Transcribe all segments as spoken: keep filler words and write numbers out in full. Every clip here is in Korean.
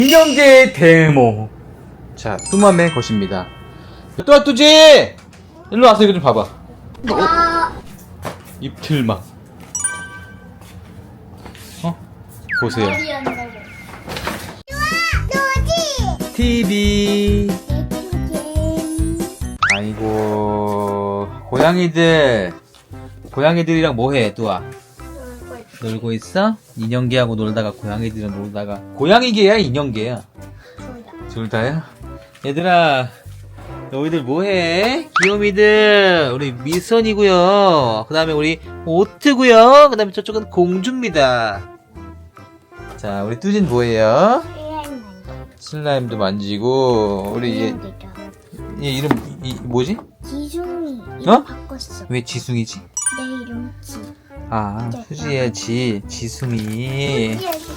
인형계의 데모. 자, 뚜맘의 것입니다. 뚜아뚜지! 일로 와서 이거 좀 봐봐. 아, 입틀막. 어? 보세요. 머리 한다고. 티비. 아이고, 고양이들. 고양이들이랑 뭐해, 뚜아? 놀고 있어? 인형개하고 놀다가 고양이들이랑 놀다가. 고양이개야, 인형개야? 둘 다야? 얘들아, 너희들 뭐해? 귀요미들, 우리 미선이고요. 그 다음에 우리 오트고요. 그 다음에 저쪽은 공주입니다. 자, 우리 뚜진 뭐예요? 슬라임도 만지고, 우리 얘, 얘 이름, 이, 뭐지? 지숭이. 어? 이름 바꿨어. 왜 지숭이지? 내 이름 지. 아, 수지의 지, 지숭이.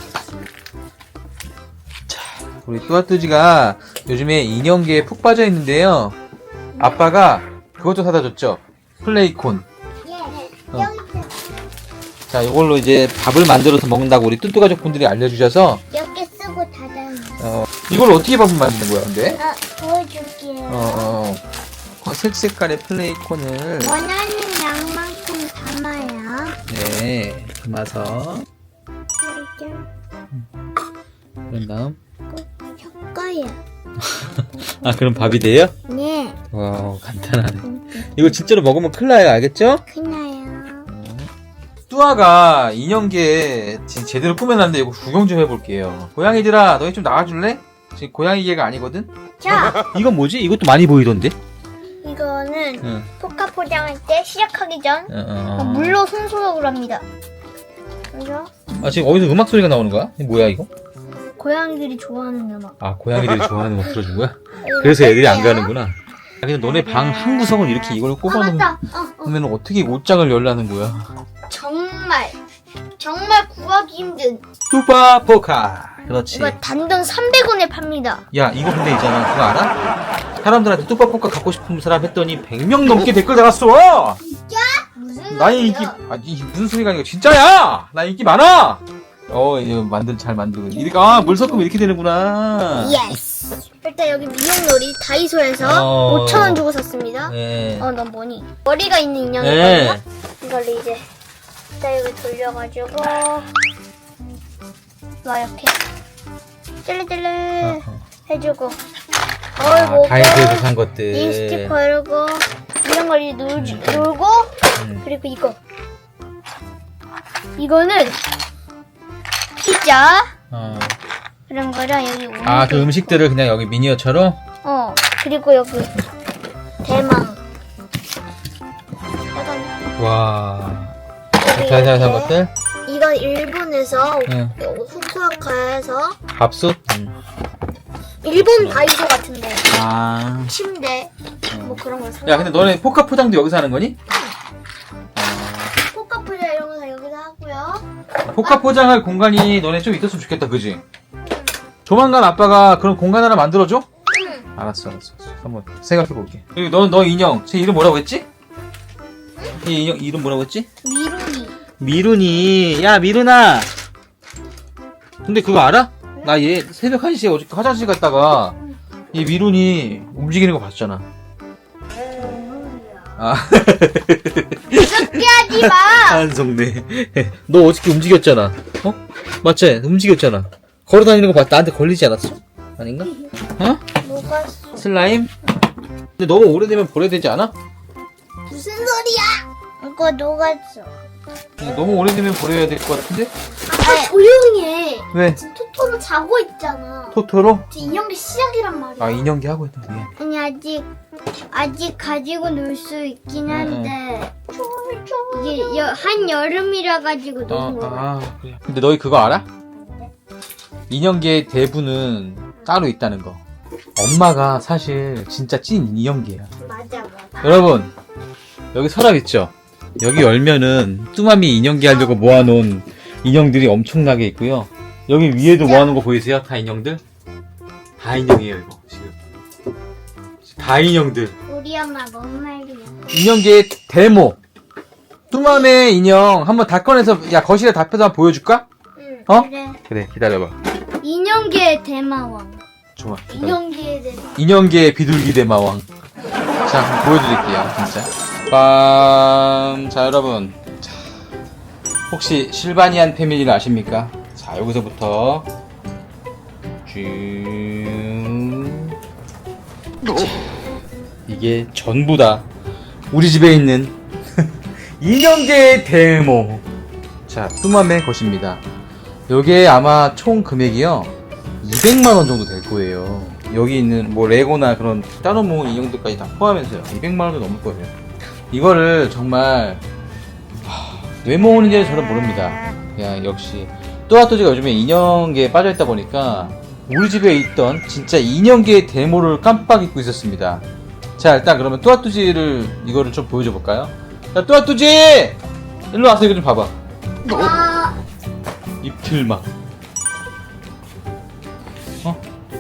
우리 뚜아뚜지가 요즘에 인형계에 푹 빠져 있는데요. 아빠가 그것도 사다 줬죠. 플레이콘. 예. 어. 여기 있어. 자, 이걸로 이제 밥을 만들어서 먹는다고 우리 뚜뚜 가족분들이 알려주셔서, 이렇게 쓰고 닫아요. 어, 이걸 어떻게 밥을 만드는 거야, 근데? 아, 보여줄게요. 어, 어, 어, 색색깔의 플레이콘을, 원하는 양만큼 담아요. 네, 담아서, 이렇게 그런 다음, 섞어요. 아, 그럼 밥이 돼요? 네. 와, 간단하네. 이거 진짜로 먹으면 큰일 나요, 알겠죠? 크나요? 뚜아가 인형계 지금 제대로 꾸며놨는데 이거 구경 좀 해볼게요. 고양이들아, 너희 좀 나와줄래? 지금 고양이계가 아니거든? 자, 이건 뭐지? 이것도 많이 보이던데? 이거는 응. 포카 포장할 때 시작하기 전 어, 어. 물로 손소독을 합니다. 그래서 아, 지금 어디서 음악 소리가 나오는 거야? 이게 뭐야, 이거? 고양이들이 좋아하는 음악. 아, 고양이들이 좋아하는 음악 틀어준 거야? 그래서 애들이 안 가는구나. 야, 근데 너네 방 한 구석을 이렇게 이걸 아 꼽아놓으면 맞다. 어, 어. 그러면 어떻게 옷장을 열라는 거야? 정말 정말 구하기 힘든. 뚜바 포카. 그렇지. 이거 단돈 삼백 원에 팝니다. 야, 이거 근데 있잖아. 그거 알아? 사람들한테 뚜바 포카 갖고 싶은 사람 했더니 백 명 넘게 댓글 달았어! 무슨 나의 인기, 아, 이 무슨 소리가 아니고 진짜야! 나 인기 많아! 어, 이거 만들, 잘 만들고. 이렇게, 아, 물 섞으면 이렇게 되는구나. 예스. 일단 여기 미용놀이 다이소에서 어. 오천 원 주고 샀습니다. 네. 어, 넌 뭐니? 머리가 있는 인형이거든요. 네. 이걸 이제 일단 이거 돌려가지고 막 이렇게 찔레찔레 어, 어. 해주고 아, 얼고 다이소에서 산 것들. 립스틱 바르고 이런 걸 이제 놀, 음. 놀고 음. 그리고 이거 이거는 피자 어. 그런 거랑 여기 오는 아, 그 게 음식들을 그냥 여기 미니어처럼? 어 그리고 여기 대망 약간 와. 여기 자세히 산 이렇게. 것들? 이거 일본에서 응. 후쿠오카에서 밥솥? 응. 일본 다이소 같은데 아. 침대 뭐 그런 걸 사. 야, 근데 너네 포카 포장도 여기서 하는 거니? 포카풀자 이런 거 다 여기서 하고요. 포카 포장할 공간이 너네 좀 있었으면 좋겠다, 그지? 조만간 아빠가 그런 공간 하나 만들어줘? 응. 알았어, 알았어. 한번 생각해볼게. 그리고 너, 너 인형, 쟤 이름 뭐라고 했지? 얘 인형 이름 뭐라고 했지? 미루니. 미룬이. 야, 미룬아! 근데 그거 알아? 나 얘 새벽 한 시에 어저께 화장실 갔다가 얘 미룬이 움직이는 거 봤잖아. 아. 그렇게 하지 마. 한성네. 너 어저께 움직였잖아. 어? 맞지? 움직였잖아. 걸어 다니는 거 봤, 나한테 걸리지 않았어? 아닌가? 어? 뭐가 슬라임? 근데 너무 오래되면 버려야 되지 않아? 무슨 소리야? 이거 녹았어. 근데 너무 오래되면 버려야 될 것 같은데? 아빠 조용히 해. 왜? 지금 토토로 자고 있잖아. 토토로? 지금 인형기 시작이란 말이야. 아, 인형기 하고 있다. 예. 아니 아직 아직 가지고 놀 수 있긴 한데 이게 여, 한 여름이라 가지고 아, 노는 거야. 아, 그래. 근데 너희 그거 알아? 인형계의 대부는 따로 있다는 거. 엄마가 사실 진짜 찐 인형계야. 맞아 맞아. 여러분, 여기 서랍 있죠? 여기 열면은 뚜마미 인형계 하려고 모아놓은 인형들이 엄청나게 있고요. 여기 위에도 모아놓은 거 보이세요? 다 인형들? 다 인형이에요, 이거 지금. 다 인형들. 우리 엄마 뭔 말이야? 인형계의 데모. 뚜맘의 인형 한번 다 꺼내서, 야, 거실에 다 펴서 한번 보여줄까? 응. 어? 그래. 그래, 기다려봐. 인형계의 대마왕. 좋아. 기다려. 인형계의 대마왕. 인형계의 비둘기 대마왕. 자, 한번 보여드릴게요, 진짜. 빰. 자, 여러분. 자, 혹시 실바니안 패밀리를 아십니까? 자, 여기서부터 쭉. 자, 이게 전부 다 우리 집에 있는 인형계의 데모. 자, 뚜맘의 것입니다. 요게 아마 총 금액이요 이백만 원 정도 될 거예요. 여기 있는 뭐 레고나 그런 따로 모은 인형들까지 다 포함해서요 이백만 원도 넘을 거예요. 이거를 정말 하, 왜 모으는지 저는 모릅니다. 그냥 역시 또아또지가 요즘에 인형계에 빠져있다 보니까 우리 집에 있던 진짜 인형계의 데모를 깜빡 잊고 있었습니다. 자, 일단 그러면 또아뚜지를 이거를 좀 보여줘 볼까요? 자, 또아뚜지! 일로 와서 이거 좀 봐봐. 아, 입틀막. 어?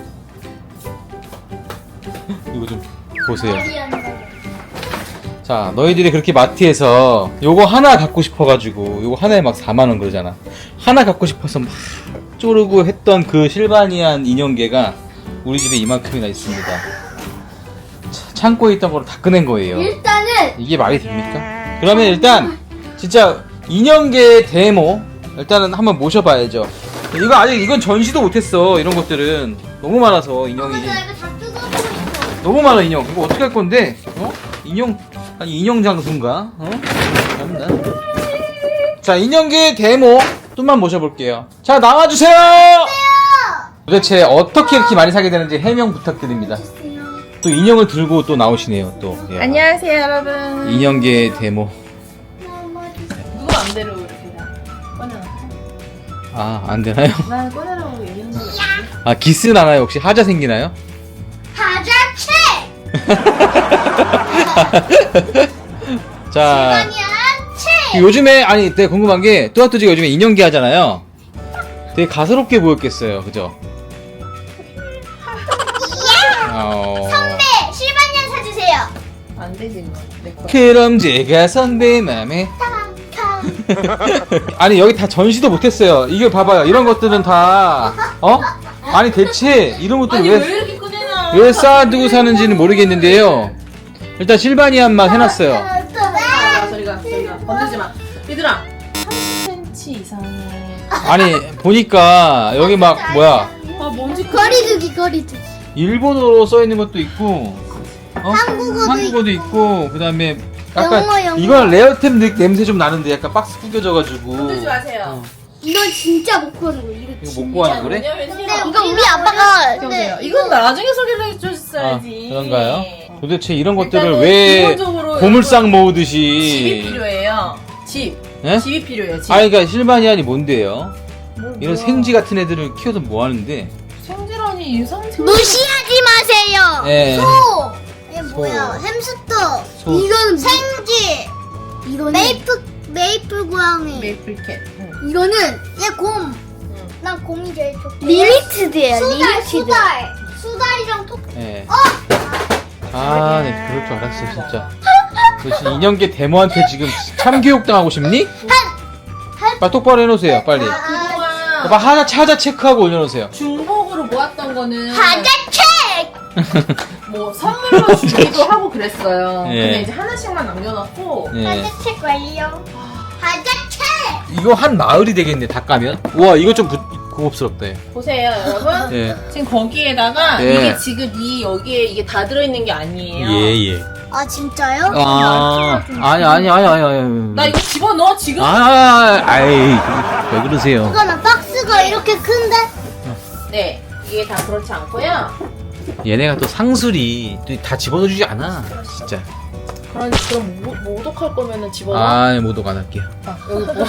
이거 좀 보세요. 말이 안 돼. 자, 너희들이 그렇게 마트에서 요거 하나 갖고 싶어가지고 요거 하나에 막 사만 원 그러잖아. 하나 갖고 싶어서 막 쪼르고 했던 그 실바니안 인형계가 우리 집에 이만큼이나 있습니다. 차- 창고에 있던 거를 다 꺼낸 거예요. 일단은 이게 말이 됩니까? 그러면 일단 진짜 인형계의 데모 일단은 한번 모셔봐야죠. 이거 아직 이건 전시도 못했어. 이런 것들은 너무 많아서 인형이 나 이거 다 뜯어보고 있어. 너무 많아. 인형 이거 어떻게 할 건데? 어? 인형 아니 인형 장수인가? 어? 참나. 자, 인형계의 데모 좀만 모셔볼게요. 자, 나와주세요. 도대체 어떻게 이렇게 많이 사게 되는지 해명 부탁드립니다. 또 인형을 들고 또 나오시네요. 또 야. 안녕하세요 여러분. 인형계의 데모. 누구 맘대로 이렇게 다 꺼내놨어. 아, 안 되나요? 난 꺼내라고 얘기한 거 없지. 아, 기스 나나요? 혹시 하자 생기나요? 하자체. 자, 아니야, 채. 요즘에 아니 되게 궁금한 게 또아또지가 요즘에 인형계 하잖아요. 되게 가소롭게 보였겠어요, 그죠? 어... 선배, 실반년 사주세요. 안 되지 뭐. 내 거. 그럼 제가 선배 맘에 아니 여기 다 전시도 못했어요. 이게 봐봐요. 이런 것들은 다 어? 아니 대체 이런 것들 아니 왜 왜 이렇게 꺼내놔? 왜 쌓아두고 사는지는 모르겠는데요. 일단 실바니안만 해놨어요. 아, 저리가 저리가 건들지 마. 얘들아 삼십 센티미터 이상의 아니 보니까 여기 막 뭐야 아 뭔지 거리두기, 거리두기. 일본어로 써 있는 것도 있고 어? 한국어도 한국어도 있고 그다음에 영어, 약간 영어. 이건 레어템 느- 냄새 좀 나는데 약간 박스 구겨져가지고 건들지 마세요. 이건 진짜 못 구하는 거. 이거 이거 못 구하는 거래? 왜냐면 이거 우리 아빠가 보세요. 이건 나중에 소개를 아, 해줬어야지. 그런가요? 도대체 이런 것들을 일단은 왜 기본적으로 보물상 집이 모으듯이 필요해요. 집. 예? 집이 필요해요. 집. 아, 그러니까 실바니안이 뭔데요? 뭐, 이런 뭐야. 생쥐 같은 애들을 키워서 뭐 하는데? 생쥐라니 유성생. 무시하지 마세요. 예. 소. 이게 소. 뭐야? 햄스터. 소. 이거는 생쥐. 이거는 메이플 메이플 고양이. 메이플캣. 응. 이거는 얘 곰. 응. 난 곰이 제일 좋대. 리미티드예요. 수달, 수달. 수달이랑 톡. 예. 아, 네, 그럴 줄 알았어, 진짜. 너 지금 인형계 데모한테 지금 참교육 당하고 싶니? 빨리 똑바로 해놓으세요, 빨리. 그동안 오빠 하나 찾아 체크하고 올려놓으세요. 중복으로 모았던 거는 하자책. 뭐 선물로 주기도 하고 그랬어요. 예. 근데 이제 하나씩만 남겨놨고 예. 하자책 완료. 하자책. 이거 한 마을이 되겠네, 다 까면. 우와, 이거 좀 부, 고급스럽다. 예. 보세요, 여러분. 예. 지금 거기에다가 예. 이게 지금 이 여기에 이게 다 들어있는 게 아니에요. 예. 아 진짜요? 아, 아니, 아니, 아니, 아니, 아니. 나 이거 집어넣어 지금. 아, 아이, 왜 그러세요? 이거는 박스가 이렇게 큰데? 네, 이게 다 그렇지 않고요. 얘네가 또 상술이 또 다 집어넣어주지 않아, 진짜. 그럼 그럼 모, 모독할 거면은 집어넣어. 아, 모독 안 할게요. 아, 여기 뭐.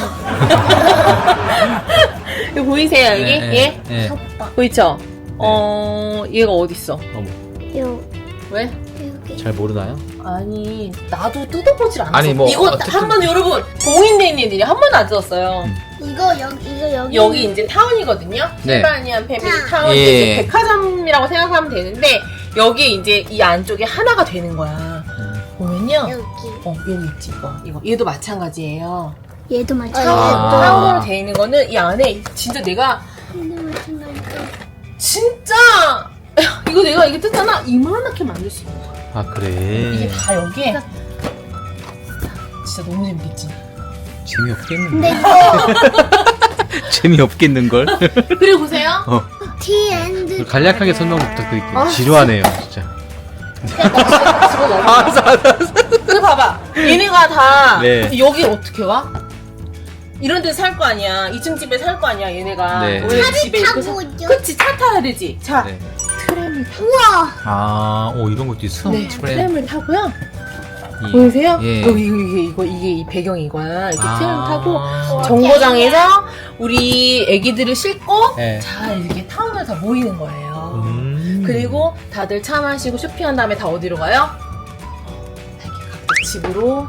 이거 보이세요 여기? 예, 얘? 예. 보이죠? 어, 얘가 어디 있어? 어머, 요 왜? 여기. 잘 모르나요? 아니 나도 뜯어보질 않았어. 아니, 뭐, 이거 어쨌든- 한 번 여러분 공인돼 있는 애들이 한 번도 안 뜯었어요. 음. 이거 여기 이거 여기. 여기 이제 타운이거든요. 네. 실바니안 패밀리 자. 타운 예. 이제 백화점이라고 생각하면 되는데 여기 이제 이 안쪽에 하나가 되는 거야. 음. 보면요. 여기. 어 여기 있지 이거 이거 얘도 마찬가지예요. 얘도 맞아. 아. 사용으로 돼 있는 거는 이 안에 진짜 내가 얘도 맞춘다니까. 진짜 이거 내가 이게 뜯잖아 이만하게 만들 수 있는 거야. 아, 그래. 이게 다 여기에 진짜 너무 재밌겠지. 재미없겠는데. 근데 이거 재미없겠는걸? 그리고 보세요. 어. T and 간략하게 설명 부탁드릴게요. 아, 지루하네요, 진짜. 집어넣어. 알았어, 알았어. 그 봐봐. 얘네가 다 네. 여기 어떻게 와? 이런 데 살 거 아니야. 이 층 집에 살 거 아니야. 얘네가 네. 원래 집에 타고 있고 사... 오죠. 그치 차 타야 되지. 자 네. 트램을 타. 우와. 아, 오, 이런 것도 있어? 네, 트램. 트램을 타고요. 이- 보이세요? 예. 여기 이거 이게 이거 이게 이 배경이 이거야. 이렇게 아. 트램 타고 정거장에서 우리 애기들을 싣고 네. 자 이렇게 타운을 다 모이는 거예요. 음. 그리고 다들 차 마시고 쇼핑한 다음에 다 어디로 가요? 이렇게 각자 집으로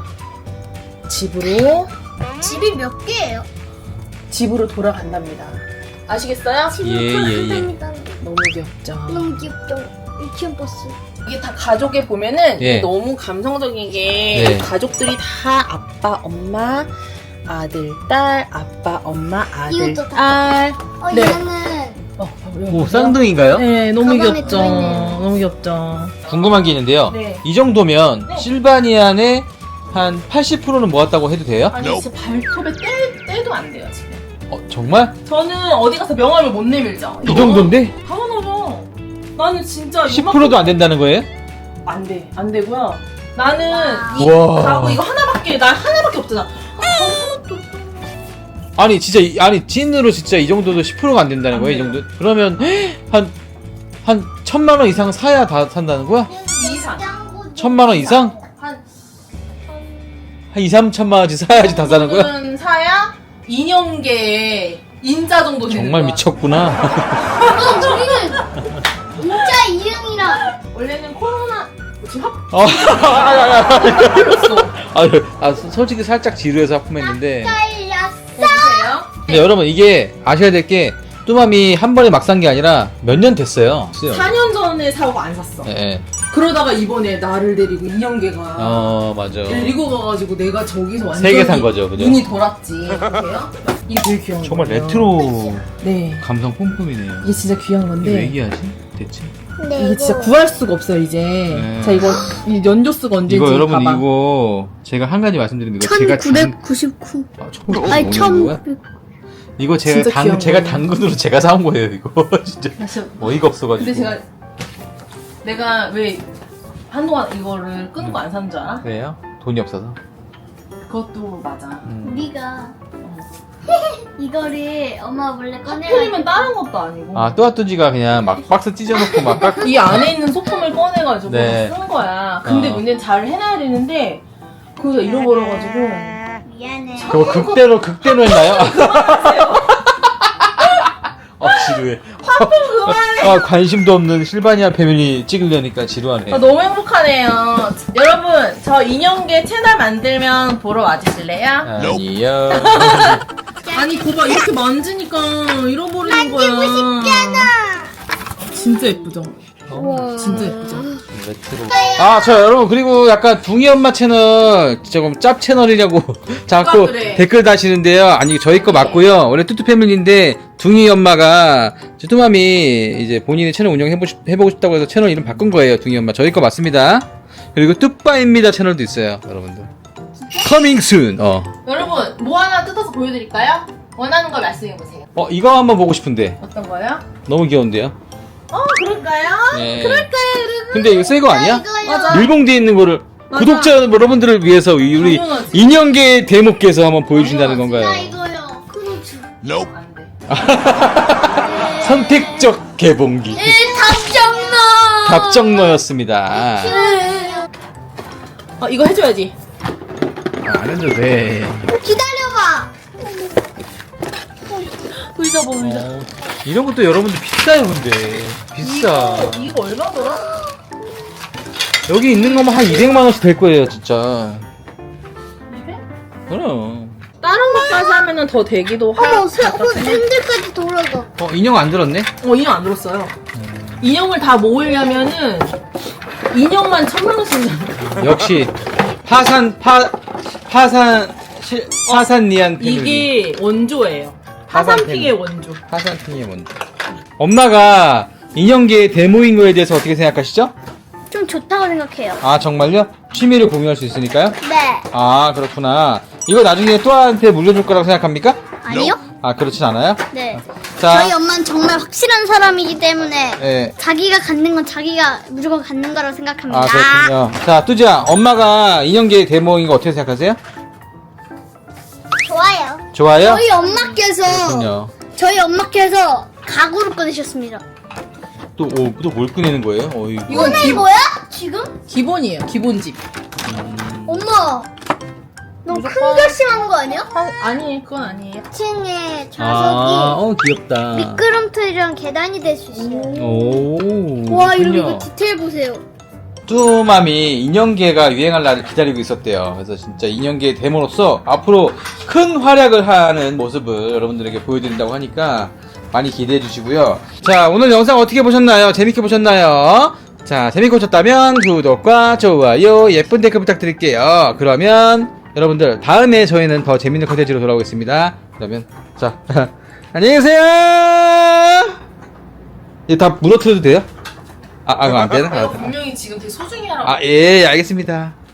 집으로 집이 몇 개예요? 집으로 돌아간답니다. 아시겠어요? 집이 예, 예, 예. 너무 귀엽죠. 너무 귀엽죠. 유치원 버스. 이게 다 가족에 보면은 예. 이게 너무 감성적인 게 네. 가족들이 다 아빠, 엄마, 아들, 딸, 아빠, 엄마, 아들, 이것도 다 딸. 어 네. 얘는 어, 오, 쌍둥이인가요? 네, 너무 가방에 귀엽죠. 들어있네요. 너무 귀엽죠. 궁금한 게 있는데요. 네. 이 정도면 네. 실바니안의 한 팔십 퍼센트는 모았다고 해도 돼요? 아니 진짜 발톱에 떼, 떼도 안 돼요 지금. 어, 정말? 저는 어디 가서 명함을 못 내밀죠. 이 정도인데? 당연하죠. 나는 진짜 십 퍼센트도 안 된다는 거예요? 안 돼, 안 되고요. 나는 이 우와. 가구 이거 하나밖에 나 하나밖에 없잖아. 아, 하나밖에 없어. 아니, 진짜, 이- 아니, 찐으로 진짜 이 정도도 십 퍼센트가 안 된다는 안 거예요? 이 돼요. 정도? 그러면, 한, 한, 천만 원 이상 사야 다 산다는 거야? 이상. 천만 원 이상? 한 한 이, 삼천만 원씩 사야지 다 사는 거야? 정도는 사야 인형계의 인자 정도 되는 정말 거야. 미쳤구나. 어 저기는 진짜 이름이랑 원래는 코로나 지금 합 어, 아, 아, 아, 걸렸어. 아, 아, 솔직히 살짝 지루해서 하품했는데. 딸렸어. 보세요. 근데 여러분, 이게 아셔야 될 게, 뚜맘이 한 번에 막 산 게 아니라 몇 년 됐어요. 사 년 전에 사고 안 샀어. 예, 예. 그러다가 이번에 나를 데리고 인형계가 어, 맞아. 데리고 가가지고 내가 저기서 완전 세개산 거죠, 그죠? 눈이 돌았지. 보세요? 이게 되게 귀여운 정말 거예요. 레트로 네. 감성 뿜뿜이네요. 이게 진짜 귀한 이거 왜 건데 얘기하지? 대체? 근데 이거 진짜 구할 수가 없어요 이제. 네. 자 이거 이 연조수가 언제인지 이거 여러분 봐봐. 이거 제가 한 가지 말씀드리는 거 제가 당... 천구백구십구. 아, 아니 천구백오십구? 천. 이거 제가 진짜 당 귀여운 제가 거예요. 당근으로 제가 사온 거예요 이거 진짜 나 진짜 어이가 없어가지고. 근데 제가 내가 왜 한동안 이거를 끊고 안 산 줄 알아? 왜요? 돈이 없어서. 그것도 맞아. 음. 우리가 이거를 엄마 몰래 꺼내가지고 하필이면 다른 것도 아니고 아 또아뚜지가 그냥 막 박스 찢어놓고 막 깎. 이 안에 있는 소품을 꺼내가지고 네. 쓴 거야. 근데 어. 문제는 잘 해놔야 되는데 그거 잃어버려가지고 미안해. 그거 극대로 극대로 했나요? 아 지루해. 아 관심도 없는 실바니아 패밀리 찍으려니까 지루하네. 아, 너무 행복하네요. 여러분 저 인형계 채널 만들면 보러 와주실래요? 아니요. 아니 거봐 이렇게 만지니까 잃어버리는 거야. 만지고 싶잖아. 진짜 예쁘죠? 우와. 진짜 예쁘죠? 레트로. 아, 저 여러분 그리고 약간 둥이 엄마 채널 조금 짭 채널이냐고 자꾸 누가 그래? 댓글 다시는데요. 아니 저희 거 네. 맞고요. 원래 뚜뚜 패밀리인데 둥이 엄마가 뚜맘이 이제 본인의 채널 운영 해보 해보고 싶다고 해서 채널 이름 바꾼 거예요. 둥이 엄마 저희 거 맞습니다. 그리고 뚜빠입니다 채널도 있어요, 여러분들. Coming soon. 어. 여러분 뭐 하나 뜯어서 보여드릴까요? 원하는 거 말씀해보세요. 어 이거 한번 보고 싶은데 어떤 거요? 너무 귀여운데요. 어 그럴까요? 네. 그럴까요 여러분? 근데 이거 새 거 아니야? 이거요. 맞아. 밀봉 뒤에 있는 거를 맞아. 구독자 여러분들을 위해서 우리 당연하지. 인형계 대목께서 한번 보여준다는 당연하지. 건가요? 나 이거요. 크루즈. 안돼. 선택적 개봉기 네, 답정너. 답정너였습니다. 어 이거 해줘야지. 안 해도 돼. 기다려봐. 의자 봐 의자. 어, 이런 것도 여러분들 비싸요 근데 비싸. 이거, 이거 얼마더라? 여기 있는 거면 한 이백만 원씩 될 거예요 진짜. 이백? 그럼. 다른 것까지 하면은 더 되기도 하. 어머, 새, 어, 핸들까지 돌아가. 어 인형 안 들었네? 어 인형 안 들었어요. 인형을 다 모으려면은 인형만 천만 원씩 나가. 역시 파산 파 파산 칠, 화산니안 패밀리. 이게 원조예요. 화산 화산핑의 원조. 화산핑의 원조. 엄마가 인형계의 데모인 거에 대해서 어떻게 생각하시죠? 좀 좋다고 생각해요. 아 정말요? 취미를 공유할 수 있으니까요? 네. 아 그렇구나. 이거 나중에 또아한테 물려줄 거라고 생각합니까? 아니요? 아 그렇진 않아요? 네. 자, 저희 엄마는 정말 확실한 사람이기 때문에 예. 자기가 갖는 건 자기가 무조건 갖는 거라고 생각합니다. 아 그렇군요. 자 뚜지야, 엄마가 인형계의 데모인 거 어떻게 생각하세요? 좋아요. 좋아요? 저희 엄마께서 그렇군요. 저희 엄마께서 가구를 꺼내셨습니다. 또또 뭘 꺼내는 거예요? 어이. 이건 기, 뭐야? 지금? 기본이에요. 기본집. 엄마, 너무 큰 무조건- 결심하는 거 아니야? 아, 아니, 그건 아니에요. 이 층에 좌석이 아, 어 귀엽다. 미끄럼틀이랑 계단이 될 수 있어요. 오. 와, 이러면 그렇군요. 이거 디테일 보세요. 뚜맘이 인형계가 유행할 날을 기다리고 있었대요. 그래서 진짜 인형계 데모로서 앞으로 큰 활약을 하는 모습을 여러분들에게 보여드린다고 하니까 많이 기대해 주시고요. 자, 오늘 영상 어떻게 보셨나요? 재밌게 보셨나요? 자, 재밌게 보셨다면 구독과 좋아요, 예쁜 댓글 부탁드릴게요. 그러면 여러분들 다음에 저희는 더 재밌는 컨텐츠로 돌아오겠습니다. 그러면 자, 안녕히 계세요. 이거 다 무너뜨려도 돼요? 아, 아, 이거 안 되나? 이거 분명히 지금 되게 소중히 하라고. 아, 예, 알겠습니다.